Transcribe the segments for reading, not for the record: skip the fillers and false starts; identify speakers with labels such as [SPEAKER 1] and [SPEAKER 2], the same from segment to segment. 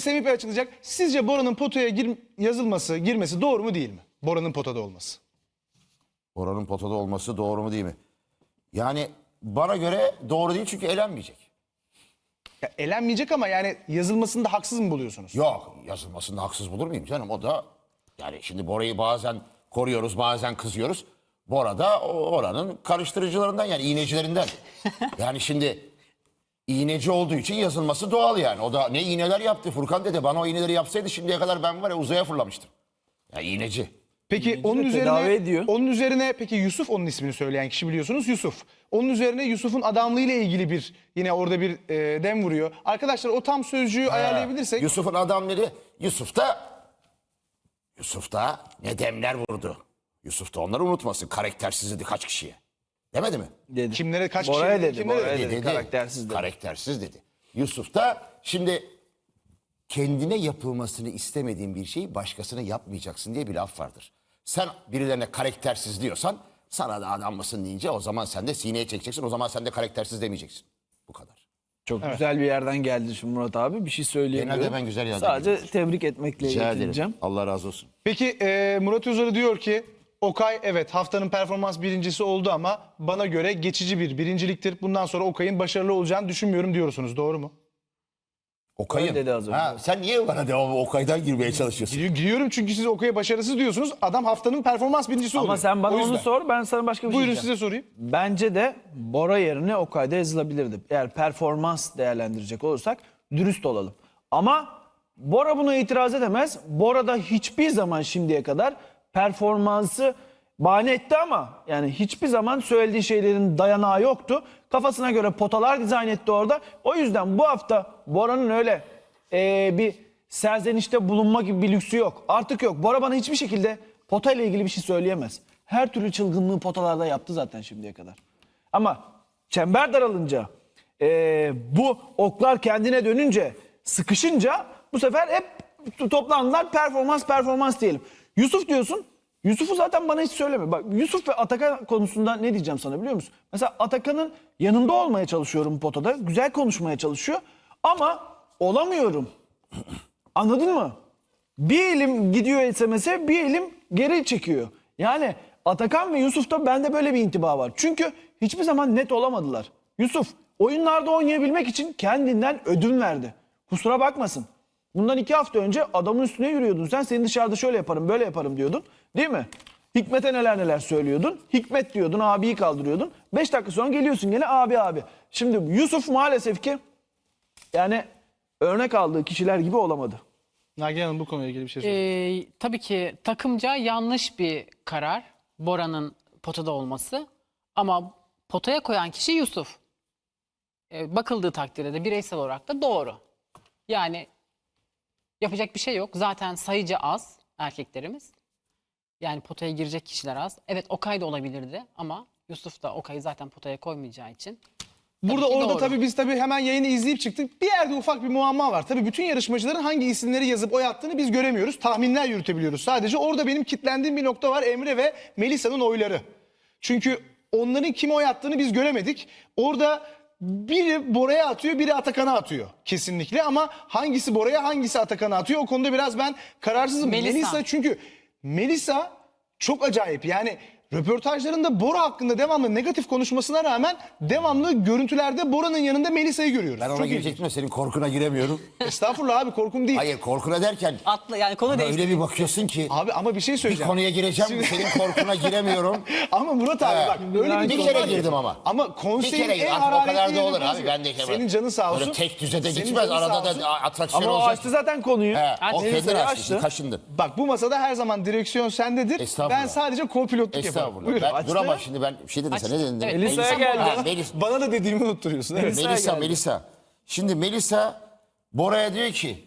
[SPEAKER 1] Semih Bey açıklayacak. Sizce Bora'nın potaya girmesi doğru mu değil mi? Bora'nın potada olması.
[SPEAKER 2] Oranın potada olması doğru mu değil mi? Yani bana göre doğru değil çünkü elenmeyecek.
[SPEAKER 1] Ya, elenmeyecek ama yani yazılmasında haksız mı buluyorsunuz?
[SPEAKER 2] Yok, yazılmasında haksız bulur muyum canım? O da yani şimdi Bora'yı bazen koruyoruz, bazen kızıyoruz. Bora da oranın karıştırıcılarından, yani iğnecilerinden. Yani şimdi iğneci olduğu için yazılması doğal yani. O da ne iğneler yaptı Furkan dede. Bana o iğneleri yapsaydı şimdiye kadar ben var ya uzaya fırlamıştım. Ya iğneci.
[SPEAKER 1] Peki onun
[SPEAKER 3] de tedavi
[SPEAKER 1] üzerine
[SPEAKER 3] ediyor.
[SPEAKER 1] peki Yusuf, onun ismini söyleyen kişi biliyorsunuz, Yusuf. Onun üzerine Yusuf'un adamlığıyla ilgili bir yine orada bir dem vuruyor. Arkadaşlar o tam sözcüğü ayarlayabilirsek.
[SPEAKER 2] Yusuf'un adamları, Yusuf da ne demler vurdu. Yusuf da onları unutmasın. Karaktersiz dedi kaç kişiye. Demedi mi?
[SPEAKER 3] Dedi.
[SPEAKER 1] Kimlere, kaç
[SPEAKER 3] Bora'ya
[SPEAKER 1] kişiye,
[SPEAKER 3] dedi.
[SPEAKER 1] kimlere
[SPEAKER 3] Bora'ya
[SPEAKER 1] dedi?
[SPEAKER 3] dedi. Karaktersiz dedi.
[SPEAKER 2] Karaktersiz dedi. Yusuf da şimdi kendine yapılmasını istemediğin bir şeyi başkasına yapmayacaksın diye bir laf vardır. Sen birilerine karaktersiz diyorsan sana da adam mısın deyince o zaman sen de sineye çekeceksin. O zaman sen de karaktersiz demeyeceksin. Bu kadar.
[SPEAKER 3] Çok güzel bir yerden geldi şimdi Murat abi. Bir şey söyleyemiyorum.
[SPEAKER 2] Genelde ben güzel yerden
[SPEAKER 3] Sadece
[SPEAKER 2] geliyorum.
[SPEAKER 3] tebrik etmekle
[SPEAKER 2] Rica ederim.
[SPEAKER 3] yetineceğim.
[SPEAKER 2] Allah razı olsun.
[SPEAKER 1] Peki Murat Özarı diyor ki Okay evet haftanın performans birincisi oldu ama bana göre geçici bir birinciliktir. Bundan sonra Okay'ın başarılı olacağını düşünmüyorum diyorsunuz. Doğru mu?
[SPEAKER 2] Okay'ın.
[SPEAKER 3] Öyle dedi az önce.
[SPEAKER 2] Sen niye bana devamlı Okay'dan girmeye çalışıyorsun?
[SPEAKER 1] Giriyorum çünkü siz Okay'a başarısız diyorsunuz. Adam haftanın performans birincisi oluyor.
[SPEAKER 3] Ama sen bana
[SPEAKER 1] O yüzden.
[SPEAKER 3] onu sor, ben sana başka bir şey
[SPEAKER 1] Buyurun
[SPEAKER 3] diyeceğim.
[SPEAKER 1] size sorayım.
[SPEAKER 3] Bence de Bora yerine Okay'da yazılabilirdi. Eğer performans değerlendirecek olursak dürüst olalım. Ama Bora buna itiraz edemez. Bora da hiçbir zaman şimdiye kadar performansı bahane etti ama yani hiçbir zaman söylediği şeylerin dayanağı yoktu. Kafasına göre potalar dizayn etti orada. O yüzden bu hafta Bora'nın öyle bir serzenişte bulunma gibi bir lüksü yok. Artık yok. Bora bana hiçbir şekilde pota ile ilgili bir şey söyleyemez. Her türlü çılgınlığı potalarda yaptı zaten şimdiye kadar. Ama çember daralınca, bu oklar kendine dönünce, sıkışınca bu sefer hep toplandılar performans diyelim. Yusuf diyorsun. Yusuf'u zaten bana hiç söyleme. Bak Yusuf ve Atakan konusunda ne diyeceğim sana biliyor musun? Mesela Atakan'ın yanında olmaya çalışıyorum potada. Güzel konuşmaya çalışıyor. Ama olamıyorum. Anladın mı? Bir elim gidiyor SMS'e, bir elim geri çekiyor. Yani Atakan ve Yusuf'ta bende böyle bir intiba var. Çünkü hiçbir zaman net olamadılar. Yusuf oyunlarda oynayabilmek için kendinden ödün verdi. Kusura bakmasın. Bundan 2 hafta önce adamın üstüne yürüyordun. Sen seni dışarıda şöyle yaparım, böyle yaparım diyordun. Değil mi? Hikmet'e neler söylüyordun. Hikmet diyordun, abiyi kaldırıyordun. 5 dakika sonra geliyorsun gene abi. Şimdi Yusuf maalesef ki yani örnek aldığı kişiler gibi olamadı.
[SPEAKER 1] Nagihan Hanım bu konuyla ilgili bir şey söyleyeyim.
[SPEAKER 4] Tabii ki takımca yanlış bir karar Bora'nın potada olması. Ama potaya koyan kişi Yusuf. Bakıldığı takdirde de bireysel olarak da doğru. Yani yapacak bir şey yok. Zaten sayıca az erkeklerimiz. Yani potaya girecek kişiler az. Evet Okay da olabilirdi ama Yusuf da Okay'ı zaten potaya koymayacağı için.
[SPEAKER 1] Burada
[SPEAKER 4] ki
[SPEAKER 1] orada
[SPEAKER 4] doğru.
[SPEAKER 1] biz hemen yayını izleyip çıktık. Bir yerde ufak bir muamma var. Tabii bütün yarışmacıların hangi isimleri yazıp oy attığını biz göremiyoruz. Tahminler yürütebiliyoruz. Sadece orada benim kitlendiğim bir nokta var. Emre ve Melisa'nın oyları. Çünkü onların kime oy attığını biz göremedik. Orada biri Bora'ya atıyor, biri Atakan'a atıyor kesinlikle. Ama hangisi Bora'ya, hangisi Atakan'a atıyor? O konuda biraz ben kararsızım.
[SPEAKER 4] Melisa.
[SPEAKER 1] Çünkü Melisa çok acayip. Yani röportajlarında Bora hakkında devamlı negatif konuşmasına rağmen devamlı görüntülerde Bora'nın yanında Melisa'yı görüyoruz.
[SPEAKER 2] Ben ona
[SPEAKER 1] Çok
[SPEAKER 2] girecektim de senin korkuna giremiyorum.
[SPEAKER 1] ilginç. Estağfurullah abi, korkum değil.
[SPEAKER 2] Hayır, korkuna derken
[SPEAKER 4] Atla yani konu
[SPEAKER 2] bana
[SPEAKER 4] değişti.
[SPEAKER 2] öyle bir bakıyorsun ki
[SPEAKER 1] Abi ama bir şey
[SPEAKER 2] bir
[SPEAKER 1] söyleyeceğim.
[SPEAKER 2] konuya gireceğim senin korkuna giremiyorum.
[SPEAKER 1] Ama Murat abi bak öyle
[SPEAKER 2] Bir
[SPEAKER 1] durum
[SPEAKER 2] kere
[SPEAKER 1] var ki.
[SPEAKER 2] girdim ama.
[SPEAKER 1] Ama
[SPEAKER 2] Bir
[SPEAKER 1] konseyin
[SPEAKER 2] kere
[SPEAKER 1] en
[SPEAKER 2] girdim. Artık o kadar
[SPEAKER 1] hararetli
[SPEAKER 2] da olur
[SPEAKER 1] yerinde
[SPEAKER 2] abi. Ben de
[SPEAKER 1] senin canın sağ olsun.
[SPEAKER 2] Böyle tek düzede
[SPEAKER 1] Senin
[SPEAKER 2] gitmez.
[SPEAKER 1] canın sağ
[SPEAKER 2] Arada
[SPEAKER 1] olsun.
[SPEAKER 2] da atraksiyon
[SPEAKER 3] Ama o
[SPEAKER 2] olacak.
[SPEAKER 3] açtı zaten konuyu.
[SPEAKER 2] He, o
[SPEAKER 3] Melisa'yı
[SPEAKER 2] kendin açtı.
[SPEAKER 3] açtı.
[SPEAKER 2] Kaşındın.
[SPEAKER 1] Bak bu masada her zaman direksiyon sendedir.
[SPEAKER 2] Estağfurullah.
[SPEAKER 1] Ben sadece co-pilotluk yaparım.
[SPEAKER 2] Estağfurullah.
[SPEAKER 1] Buyurun.
[SPEAKER 2] Ben,
[SPEAKER 3] açtı.
[SPEAKER 2] dur ama şimdi ben bir şey dedim sen ne dedin?
[SPEAKER 4] Evet,
[SPEAKER 3] Melisa'ya geldi.
[SPEAKER 2] Ha,
[SPEAKER 1] Bana da dediğimi unutturuyorsun. Evet.
[SPEAKER 2] Melisa. Şimdi Melisa Bora'ya diyor ki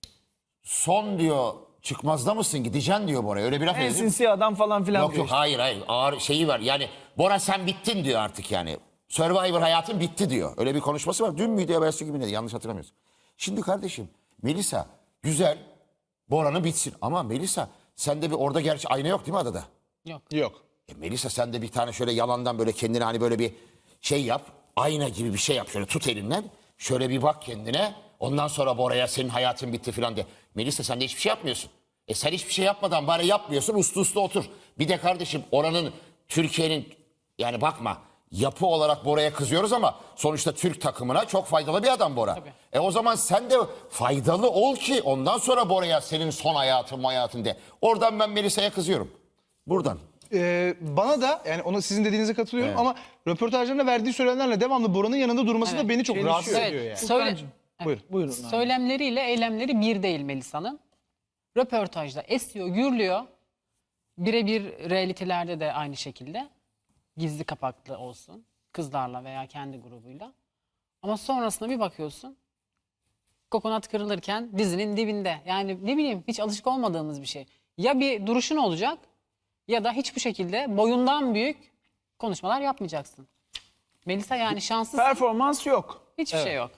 [SPEAKER 2] son diyor çıkmazda mısın gideceksin diyor Bora'ya. Öyle bir laf
[SPEAKER 3] En
[SPEAKER 2] ediyor.
[SPEAKER 3] sinsi adam falan filan
[SPEAKER 2] Yok
[SPEAKER 3] diyor
[SPEAKER 2] yok hayır ağır şeyi var. Yani Bora sen bittin diyor artık yani. Survivor hayatın bitti diyor. Öyle bir konuşması var. Dün müydü evvelsi gibi neydi yanlış hatırlamıyorsun. Şimdi kardeşim Melisa güzel Bora'nın bitsin. Ama Melisa sende bir orada gerçi ayna yok değil mi adada?
[SPEAKER 1] Yok.
[SPEAKER 2] Melisa sen de bir tane şöyle yalandan böyle kendine hani böyle bir şey yap. Ayna gibi bir şey yap. Şöyle tut elinden. Şöyle bir bak kendine. Ondan sonra Bora'ya senin hayatın bitti filan de. Melisa sen de hiçbir şey yapmıyorsun. Sen hiçbir şey yapmadan bari yapmıyorsun, uslu uslu otur. Bir de kardeşim oranın, Türkiye'nin, yani bakma yapı olarak Bora'ya kızıyoruz ama sonuçta Türk takımına çok faydalı bir adam Bora. O zaman sen de faydalı ol ki ondan sonra Bora'ya senin son hayatın de. Oradan ben Melisa'ya kızıyorum. Buradan.
[SPEAKER 1] Bana da yani ona sizin dediğinize katılıyorum ama röportajlarında verdiği söylemlerle devamlı Bora'nın yanında durması da beni çok
[SPEAKER 3] Çelişiyor.
[SPEAKER 1] rahatsız
[SPEAKER 4] Evet.
[SPEAKER 1] ediyor yani.
[SPEAKER 4] Söyle,
[SPEAKER 1] Buyurun.
[SPEAKER 3] Buyurun. abi.
[SPEAKER 4] söylemleriyle eylemleri bir değil Melisa'nın. Röportajda esiyor, gürlüyor. Birebir realitelerde de aynı şekilde. Gizli kapaklı olsun. Kızlarla veya kendi grubuyla. Ama sonrasında bir bakıyorsun. Kokonat kırılırken dizinin dibinde. Yani ne bileyim hiç alışık olmadığımız bir şey. Ya bir duruşun olacak ya da hiçbir şekilde boyundan büyük konuşmalar yapmayacaksın. Melisa yani şanssız.
[SPEAKER 3] Performans yok.
[SPEAKER 4] Hiçbir şey yok.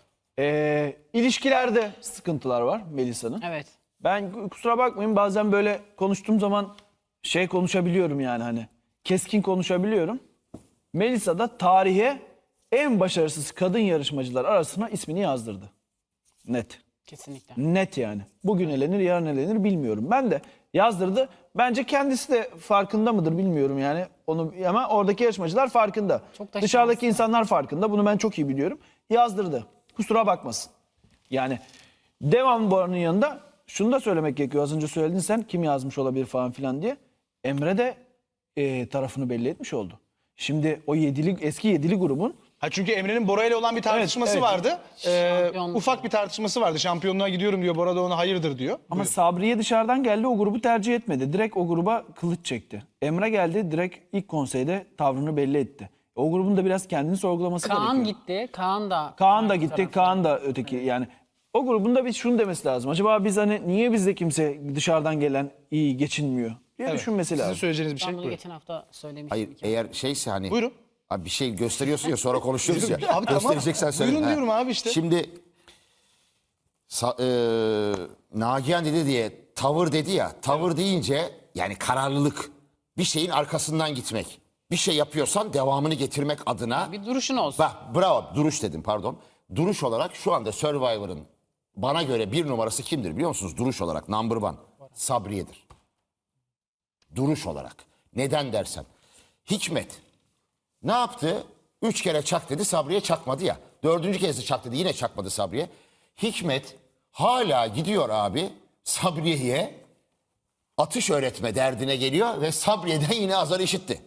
[SPEAKER 3] İlişkilerde sıkıntılar var Melisa'nın.
[SPEAKER 4] Evet.
[SPEAKER 3] Ben kusura bakmayın bazen böyle konuştuğum zaman konuşabiliyorum yani hani. Keskin konuşabiliyorum. Melisa da tarihe en başarısız kadın yarışmacılar arasına ismini yazdırdı. Net.
[SPEAKER 4] Kesinlikle.
[SPEAKER 3] Net yani. Bugün elenir yarın elenir bilmiyorum. Ben de yazdırdı. Bence kendisi de farkında mıdır bilmiyorum yani. Onu ama oradaki yarışmacılar farkında.
[SPEAKER 4] Çok da
[SPEAKER 3] Dışarıdaki
[SPEAKER 4] şanslı.
[SPEAKER 3] insanlar farkında. Bunu ben çok iyi biliyorum. Yazdırdı. Kusura bakmasın. Yani devam Bora'nın yanında şunu da söylemek gerekiyor. Az önce söyledin sen kim yazmış olabilir falan filan diye. Emre de tarafını belli etmiş oldu. Şimdi o eski yedili grubun
[SPEAKER 1] Çünkü Emre'nin Bora ile olan bir tartışması
[SPEAKER 3] evet.
[SPEAKER 1] vardı.
[SPEAKER 4] Şampiyonluk.
[SPEAKER 1] Ufak bir tartışması vardı. Şampiyonluğa gidiyorum diyor. Bora da ona hayırdır diyor.
[SPEAKER 3] ama Sabriye dışarıdan geldi o grubu tercih etmedi. Direkt o gruba kılıç çekti. Emre geldi direkt ilk konseyde tavrını belli etti. O grubun da biraz kendini sorgulaması
[SPEAKER 4] Kaan
[SPEAKER 3] gerekiyor.
[SPEAKER 4] gitti. Kaan da.
[SPEAKER 3] Kaan da gitti, Kaan da öteki yani. O grubun da bir şunu demesi lazım. Acaba biz hani niye bizde kimse dışarıdan gelen iyi geçinmiyor diye düşünmesi
[SPEAKER 1] Sizin
[SPEAKER 3] lazım.
[SPEAKER 1] söyleyeceğiniz bir şey.
[SPEAKER 4] Ben bunu
[SPEAKER 1] Buyurun.
[SPEAKER 4] geçen hafta söylemiştim.
[SPEAKER 2] Hayır eğer şeyse hani.
[SPEAKER 1] Buyurun.
[SPEAKER 2] Abi bir şey gösteriyorsun ya sonra konuşuyoruz ya.
[SPEAKER 1] Abi tamam.
[SPEAKER 2] Göstereceksen söyle.
[SPEAKER 1] Buyurun
[SPEAKER 2] Ha.
[SPEAKER 1] diyorum abi işte.
[SPEAKER 2] Şimdi Nagihan dedi diye tavır dedi ya. Tavır deyince yani kararlılık. Bir şeyin arkasından gitmek. Bir şey yapıyorsan devamını getirmek adına.
[SPEAKER 4] Bir duruşun olsun.
[SPEAKER 2] Bak bravo duruş dedim pardon. Duruş olarak şu anda Survivor'ın bana göre bir numarası kimdir biliyor musunuz? Duruş olarak number one. Sabriye'dir. Duruş olarak. Neden dersen. Hikmet ne yaptı? 3 kere çak dedi Sabriye çakmadı ya. 4. kez de çak dedi yine çakmadı Sabriye. Hikmet hala gidiyor abi Sabriye'ye atış öğretme derdine geliyor ve Sabriye'den yine azar işitti.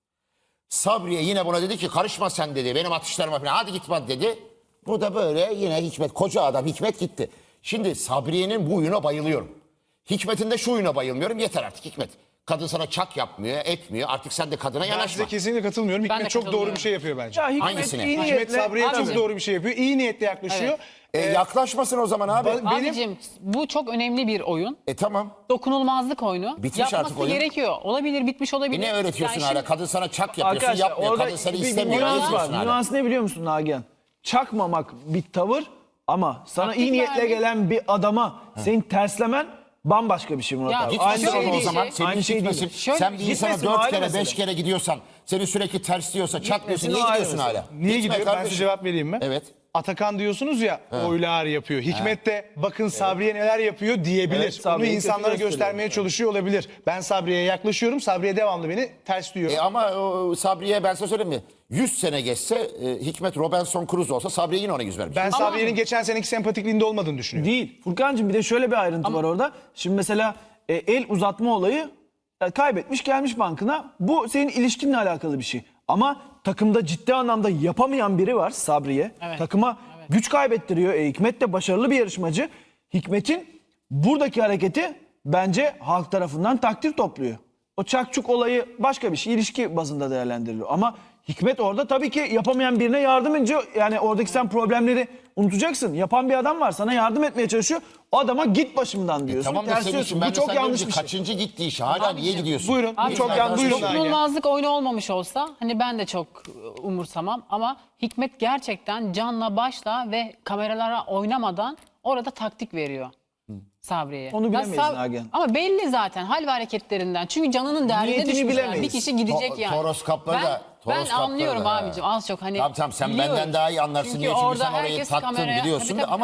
[SPEAKER 2] Sabriye yine buna dedi ki karışma sen dedi benim atışlarıma falan hadi gitme dedi. Bu da böyle yine Hikmet koca adam Hikmet gitti. Şimdi Sabriye'nin bu huyuna bayılıyorum. Hikmet'in de şu huyuna bayılmıyorum yeter artık Hikmet. Kadın sana çak yapmıyor etmiyor artık sen de kadına
[SPEAKER 1] Ben
[SPEAKER 2] yanaşma.
[SPEAKER 1] size kesinlikle katılmıyorum.
[SPEAKER 4] Ben de
[SPEAKER 1] Hikmet çok doğru
[SPEAKER 4] katılmıyorum.
[SPEAKER 1] bir şey yapıyor bence.
[SPEAKER 3] Ya Hikmet
[SPEAKER 2] Hangisine?
[SPEAKER 3] iyi
[SPEAKER 1] Hikmet
[SPEAKER 3] niyetle
[SPEAKER 1] Sabriye çok
[SPEAKER 4] Abicim.
[SPEAKER 1] doğru bir şey yapıyor. İyi niyetle yaklaşıyor.
[SPEAKER 2] Yaklaşmasın o zaman abi.
[SPEAKER 1] Benim-
[SPEAKER 4] Abicim bu çok önemli bir oyun.
[SPEAKER 2] Tamam.
[SPEAKER 4] Dokunulmazlık oyunu.
[SPEAKER 2] Bitmiş
[SPEAKER 4] Yapması
[SPEAKER 2] artık oyun.
[SPEAKER 4] gerekiyor. Olabilir bitmiş olabilir.
[SPEAKER 2] Ne öğretiyorsun
[SPEAKER 4] Yani
[SPEAKER 2] hala?
[SPEAKER 4] şimdi-
[SPEAKER 2] Kadın sana çak yapıyorsun
[SPEAKER 3] arkadaşlar
[SPEAKER 2] yapmıyor.
[SPEAKER 3] orada
[SPEAKER 2] Kadın seni
[SPEAKER 3] bir
[SPEAKER 2] istemiyor.
[SPEAKER 3] nüans
[SPEAKER 2] yapıyorsun
[SPEAKER 3] var.
[SPEAKER 2] hala.
[SPEAKER 3] Nüans ne biliyor musun Nagihan? Çakmamak bir tavır ama sana
[SPEAKER 4] Taktik
[SPEAKER 3] iyi niyetle
[SPEAKER 4] vermek.
[SPEAKER 3] gelen bir adama senin terslemen bambaşka bir şey Murat
[SPEAKER 4] Ya
[SPEAKER 3] abi.
[SPEAKER 4] gitmesin
[SPEAKER 2] Gitmesin
[SPEAKER 4] şey
[SPEAKER 2] o
[SPEAKER 4] değil,
[SPEAKER 2] zaman.
[SPEAKER 4] şey-
[SPEAKER 2] Senin
[SPEAKER 3] aynı şey
[SPEAKER 2] gitmesin.
[SPEAKER 3] değil.
[SPEAKER 4] Şöyle-
[SPEAKER 2] Sen bir insana
[SPEAKER 3] Gitmesin,
[SPEAKER 2] 4
[SPEAKER 3] ayrı
[SPEAKER 2] kere 5
[SPEAKER 3] mesele.
[SPEAKER 2] kere gidiyorsan seni sürekli tersliyorsa çakmıyorsun. Niye
[SPEAKER 3] o ayrı
[SPEAKER 2] gidiyorsun
[SPEAKER 3] mesele.
[SPEAKER 2] hala?
[SPEAKER 1] Niye
[SPEAKER 2] Gitme
[SPEAKER 1] gidiyor? Ben
[SPEAKER 2] kardeşim.
[SPEAKER 1] size cevap vereyim mi?
[SPEAKER 2] Evet.
[SPEAKER 1] Atakan diyorsunuz ya oylar yapıyor. Hikmet de bakın Sabriye neler yapıyor diyebilir.
[SPEAKER 3] Evet,
[SPEAKER 1] Bunu
[SPEAKER 3] Sabriye'yi
[SPEAKER 1] insanlara
[SPEAKER 3] kötü
[SPEAKER 1] göstermeye
[SPEAKER 3] gösteriyor.
[SPEAKER 1] çalışıyor olabilir. Ben Sabriye'ye yaklaşıyorum. Sabriye devamlı beni ters diyor.
[SPEAKER 2] Ama o Sabriye ben size söyleyeyim mi? 100 sene geçse Hikmet Robinson Crusoe olsa Sabriye yine ona yüz vermiş.
[SPEAKER 1] Ben Sabriye'nin geçen seneki sempatikliğinde olmadığını düşünüyorum.
[SPEAKER 3] Değil. Furkan'cığım bir de şöyle bir ayrıntı var orada. Şimdi mesela el uzatma olayı kaybetmiş gelmiş bankına. Bu senin ilişkinle alakalı bir şey. Ama takımda ciddi anlamda yapamayan biri var Sabriye.
[SPEAKER 4] Evet.
[SPEAKER 3] Takıma güç kaybettiriyor. Hikmet de başarılı bir yarışmacı. Hikmet'in buradaki hareketi bence halk tarafından takdir topluyor. O çakçuk olayı başka bir şey. İlişki bazında değerlendiriliyor. Ama Hikmet orada tabii ki yapamayan birine yardım edince yani oradaki sen problemleri unutacaksın. Yapan bir adam var sana yardım etmeye çalışıyor. O adama git başımdan diyorsun.
[SPEAKER 2] Tamam da senin
[SPEAKER 3] tersliyorsun.
[SPEAKER 2] için ben
[SPEAKER 3] Bu
[SPEAKER 2] de
[SPEAKER 3] çok
[SPEAKER 2] sana
[SPEAKER 3] yanlış
[SPEAKER 2] diyorum
[SPEAKER 3] bir
[SPEAKER 2] ki,
[SPEAKER 3] şey.
[SPEAKER 2] kaçıncı gitti iş hala niye gidiyorsun?
[SPEAKER 1] Buyurun.
[SPEAKER 4] Abi,
[SPEAKER 1] Bu çok
[SPEAKER 4] yani
[SPEAKER 1] yanlış. Buyurun.
[SPEAKER 4] dokunulmazlık oyunu olmamış olsa hani ben de çok umursamam ama Hikmet gerçekten canla başla ve kameralara oynamadan orada taktik veriyor Sabriye'ye.
[SPEAKER 3] Onu
[SPEAKER 4] Ya
[SPEAKER 3] bilemeyiz Nagihan.
[SPEAKER 4] Ama belli zaten hal ve hareketlerinden. Çünkü canının derdine
[SPEAKER 3] Niyetini
[SPEAKER 4] düşmüşler.
[SPEAKER 3] bilemeyiz.
[SPEAKER 4] Bir kişi gidecek yani.
[SPEAKER 2] Toros kapları da.
[SPEAKER 4] Ben
[SPEAKER 2] Toros kapları
[SPEAKER 4] anlıyorum
[SPEAKER 2] da,
[SPEAKER 4] abicim az çok hani
[SPEAKER 2] Tamam sen
[SPEAKER 4] biliyorum.
[SPEAKER 2] benden daha iyi anlarsın
[SPEAKER 4] Çünkü
[SPEAKER 2] diye çünkü
[SPEAKER 4] orada
[SPEAKER 2] sen orayı
[SPEAKER 4] herkes
[SPEAKER 2] tattın
[SPEAKER 4] kameraya-
[SPEAKER 2] biliyorsun
[SPEAKER 4] Tabii,
[SPEAKER 2] da
[SPEAKER 4] tabii,
[SPEAKER 2] ama
[SPEAKER 4] tabii.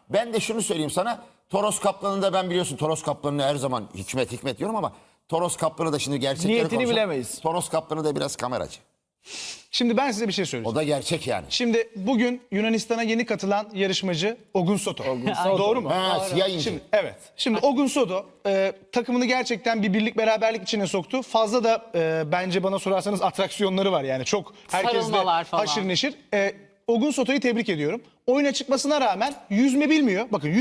[SPEAKER 2] ben de şunu söyleyeyim sana. Toros Kaplan'ın da ben biliyorsun Toros Kaplan'ı her zaman hikmet diyorum ama Toros Kaplan'ı da şimdi gerçekleri
[SPEAKER 3] Niyetini
[SPEAKER 2] konuşalım.
[SPEAKER 3] bilemeyiz.
[SPEAKER 2] Toros Kaplan'ı da biraz kameracı.
[SPEAKER 1] Şimdi ben size bir şey söyleyeceğim.
[SPEAKER 2] O da gerçek yani.
[SPEAKER 1] Şimdi bugün Yunanistan'a yeni katılan yarışmacı Ogun Soto. Doğru mu?
[SPEAKER 2] Ha, siyah inci.
[SPEAKER 1] Şimdi, evet. Şimdi Ogun Soto takımını gerçekten bir birlik beraberlik içine soktu. Fazla da bence bana sorarsanız atraksiyonları var yani. Çok herkesle
[SPEAKER 4] Sarılmalar falan.
[SPEAKER 1] haşır neşir. Ogun Soto'yu tebrik ediyorum. Oyuna çıkmasına rağmen yüzme bilmiyor. Bakın